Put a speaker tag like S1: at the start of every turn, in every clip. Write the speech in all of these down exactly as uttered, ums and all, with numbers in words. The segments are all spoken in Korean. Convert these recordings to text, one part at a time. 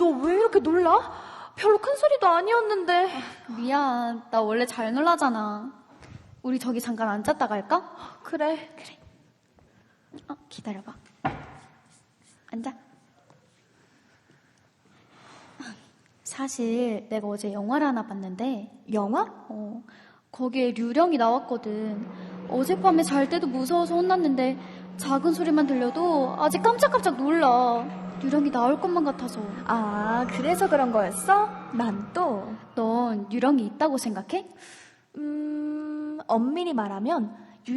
S1: 너 왜 이렇게 놀라? 별로 큰 소리도 아니었는데.
S2: 미안, 나 원래 잘 놀라잖아. 우리 저기 잠깐 앉았다 갈까?
S1: 그래.
S2: 그래. 어, 기다려봐. 앉아. 사실 내가 어제 영화를 하나 봤는데
S1: 영화?
S2: 어, 거기에 류령이 나왔거든. 어젯밤에 잘 때도 무서워서 혼났는데 작은 소리만 들려도 아직 깜짝깜짝 놀라. 류령이 나올 것만 같아서.
S1: 아, 그래서 그런 거였어? 난 또.
S2: 넌 류령이 있다고 생각해?
S1: 음, 엄밀히 말하면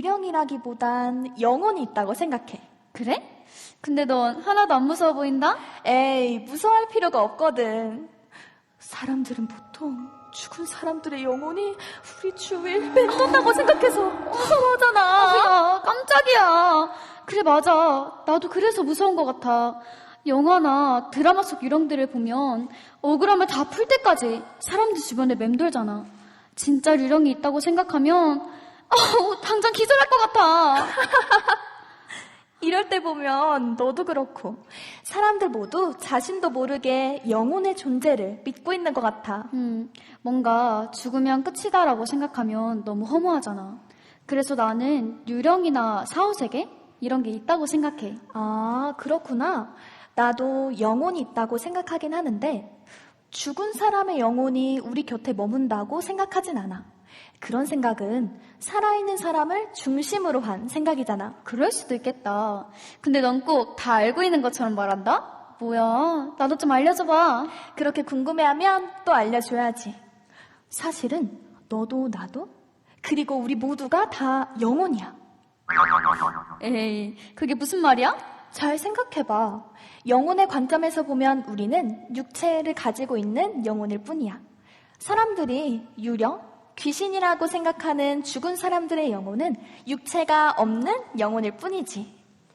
S1: 유령이라기보단 영혼이 있다고 생각해.
S2: 그래? 근데 넌 하나도 안 무서워 보인다?
S1: 에이, 무서워할 필요가 없거든. 사람들은 보통 죽은 사람들의 영혼이 우리 주위를 맴돈다고 생각해서 무서워하잖아.
S2: 아, 깜짝이야. 그래, 맞아. 나도 그래서 무서운 것 같아. 영화나 드라마 속 유령들을 보면 억울함을 다 풀 때까지 사람들 주변에 맴돌잖아. 진짜 유령이 있다고 생각하면 어우, 당장 기절할 것 같아.
S1: 이럴 때 보면 너도 그렇고 사람들 모두 자신도 모르게 영혼의 존재를 믿고 있는 것 같아.
S2: 음, 뭔가 죽으면 끝이다라고 생각하면 너무 허무하잖아. 그래서 나는 유령이나 사후세계 이런 게 있다고 생각해.
S1: 아, 그렇구나. 나도 영혼이 있다고 생각하긴 하는데 죽은 사람의 영혼이 우리 곁에 머문다고 생각하진 않아. 그런 생각은 살아있는 사람을 중심으로 한 생각이잖아.
S2: 그럴 수도 있겠다. 근데 넌 꼭 다 알고 있는 것처럼 말한다? 뭐야? 나도 좀 알려줘봐.
S1: 그렇게 궁금해하면 또 알려줘야지. 사실은 너도 나도 그리고 우리 모두가 다 영혼이야.
S2: 에이, 그게 무슨 말이야?
S1: 잘 생각해봐. 영혼의 관점에서 보면 우리는 육체를 가지고 있는 영혼일 뿐이야. 사람들이 유령, 귀신이라고 생각하는 죽은 사람들의 영혼은 육체가 없는 영혼일 뿐이지.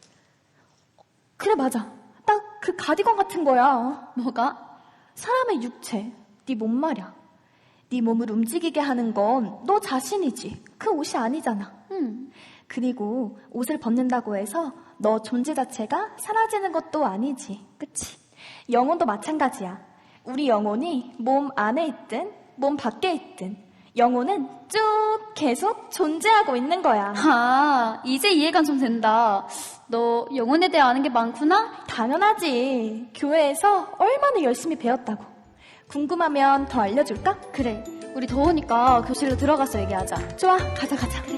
S1: 그래, 맞아. 딱 그 가디건 같은 거야.
S2: 뭐가?
S1: 사람의 육체, 네 몸 말이야. 네 몸을 움직이게 하는 건 너 자신이지. 그 옷이 아니잖아.
S2: 음.
S1: 그리고 옷을 벗는다고 해서 너 존재 자체가 사라지는 것도 아니지. 그치? 영혼도 마찬가지야. 우리 영혼이 몸 안에 있든 몸 밖에 있든 영혼은 쭉 계속 존재하고 있는 거야.
S2: 아, 이제 이해가 좀 된다. 너 영혼에 대해 아는 게 많구나?
S1: 당연하지. 교회에서 얼마나 열심히 배웠다고. 궁금하면 더 알려줄까?
S2: 그래, 우리 더우니까 교실로 들어가서 얘기하자.
S1: 좋아, 가자 가자. 그래.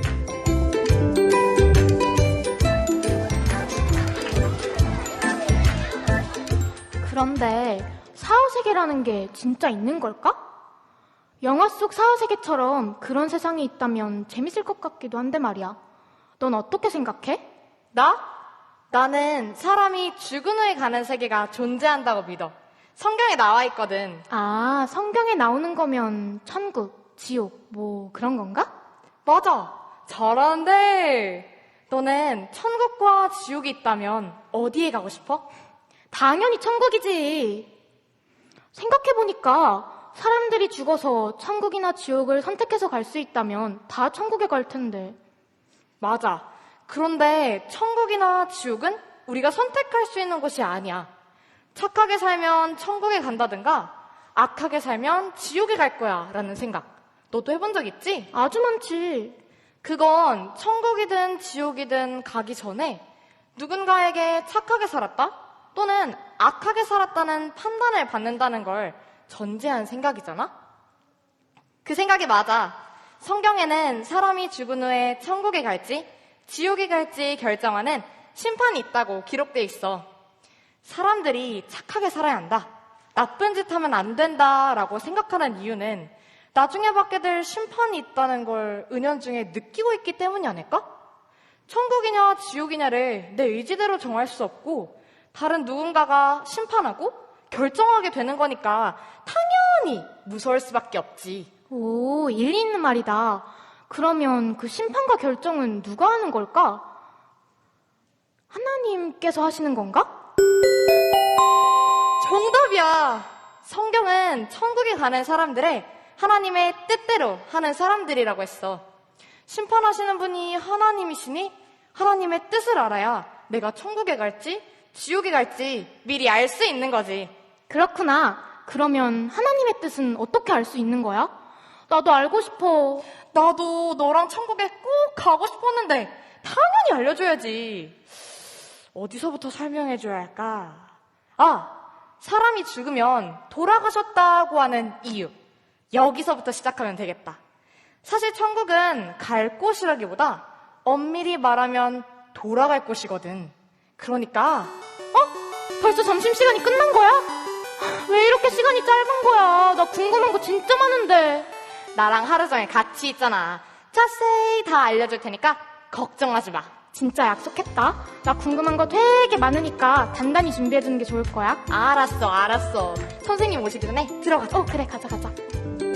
S3: 그런데 사후세계라는 게 진짜 있는 걸까? 영화 속 사후세계처럼 그런 세상이 있다면 재밌을 것 같기도 한데 말이야. 넌 어떻게 생각해?
S4: 나? 나는 사람이 죽은 후에 가는 세계가 존재한다고 믿어. 성경에 나와 있거든.
S3: 아, 성경에 나오는 거면 천국, 지옥, 뭐 그런 건가?
S4: 맞아. 잘하는데. 너는 천국과 지옥이 있다면 어디에 가고 싶어?
S3: 당연히 천국이지. 생각해보니까 사람들이 죽어서 천국이나 지옥을 선택해서 갈 수 있다면 다 천국에 갈 텐데.
S4: 맞아. 그런데 천국이나 지옥은 우리가 선택할 수 있는 곳이 아니야. 착하게 살면 천국에 간다든가 악하게 살면 지옥에 갈 거야 라는 생각. 너도 해본 적 있지?
S3: 아주 많지.
S4: 그건 천국이든 지옥이든 가기 전에 누군가에게 착하게 살았다 또는 악하게 살았다는 판단을 받는다는 걸 전제한 생각이잖아? 그 생각이 맞아. 성경에는 사람이 죽은 후에 천국에 갈지 지옥에 갈지 결정하는 심판이 있다고 기록돼 있어. 사람들이 착하게 살아야 한다, 나쁜 짓 하면 안 된다라고 생각하는 이유는 나중에 받게 될 심판이 있다는 걸 은연중에 느끼고 있기 때문이 아닐까? 천국이냐 지옥이냐를 내 의지대로 정할 수 없고 다른 누군가가 심판하고 결정하게 되는 거니까 당연히 무서울 수밖에 없지.
S3: 오, 일리 있는 말이다. 그러면 그 심판과 결정은 누가 하는 걸까? 하나님께서 하시는 건가?
S4: 정답이야. 성경은 천국에 가는 사람들의 하나님의 뜻대로 하는 사람들이라고 했어. 심판하시는 분이 하나님이시니 하나님의 뜻을 알아야 내가 천국에 갈지 지옥에 갈지 미리 알 수 있는 거지.
S3: 그렇구나. 그러면 하나님의 뜻은 어떻게 알 수 있는 거야? 나도 알고 싶어.
S4: 나도 너랑 천국에 꼭 가고 싶었는데 당연히 알려줘야지. 어디서부터 설명해줘야 할까? 아, 사람이 죽으면 돌아가셨다고 하는 이유. 여기서부터 시작하면 되겠다. 사실 천국은 갈 곳이라기보다 엄밀히 말하면 돌아갈 곳이거든. 그러니까
S3: 어? 벌써 점심시간이 끝난 거야? 왜 이렇게 시간이 짧은 거야? 나 궁금한 거 진짜 많은데.
S4: 나랑 하루 종일 같이 있잖아. 자세히 다 알려줄 테니까 걱정하지 마.
S3: 진짜 약속했다. 나 궁금한 거 되게 많으니까 단단히 준비해주는 게 좋을 거야.
S4: 알았어, 알았어. 선생님 오시기 전에 들어가자.
S3: 어, 그래, 가자, 가자.